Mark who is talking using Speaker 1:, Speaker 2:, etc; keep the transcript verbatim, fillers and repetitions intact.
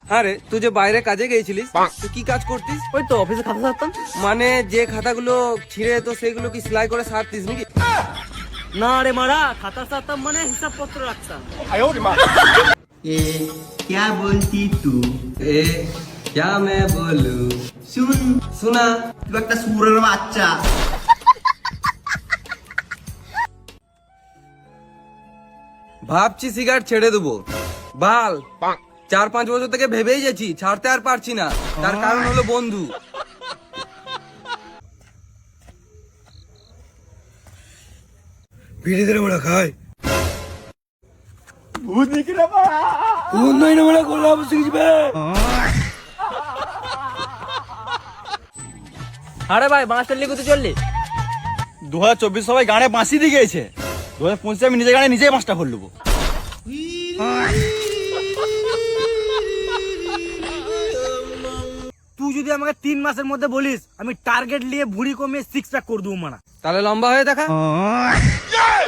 Speaker 1: আরে তুই যে বাইরে কাজে গিয়েছিলিস, তুই কি কাজ করতিস?
Speaker 2: ওই তো অফিসে খাতা ছাড়তাম।
Speaker 1: মানে যে খাতাগুলো ছিঁড়ে তো সেগুলো কি সেলাই করে সারতিস নাকি?
Speaker 2: না রে মারা, খাতা ছাড়তাম মানে হিসাব পত্র রাখতাম।
Speaker 3: ए क्या बोलती तू?
Speaker 1: এ क्या मैं बोलूं?
Speaker 3: सुन
Speaker 1: শোনা।
Speaker 3: तू একটা সুরের বাচ্চা।
Speaker 1: ভাবছি সিগারেট ছেড়ে দেবো, বাল চার পাঁচ বছর থেকে ভেবেই যাচ্ছি, ছাড়তে আর পারছি না। তার কারণ হলো বন্ধু। ভিড়ে ধরে ওরা খায়
Speaker 3: ভূত দিকে রে বাড়া।
Speaker 1: উন্নয়ন ওরা করলাম শিখবে।
Speaker 2: আরে ভাই বাঁশটা লিখে তো চললি।
Speaker 4: দু হাজার চব্বিশ সবাই গানে বাঁশি দিয়ে গিয়েছে, দু হাজার পঁচিশে আমি নিজে গানে নিজেই বাঁশটা ভর নেবো।
Speaker 2: তুই যদি আমাকে তিন মাসের মধ্যে বলিস, আমি টার্গেট নিয়ে ভুঁড়ি কমিয়ে সিক্স প্যাক করে দেবো মানা।
Speaker 1: তাহলে লম্বা হয়ে দেখা।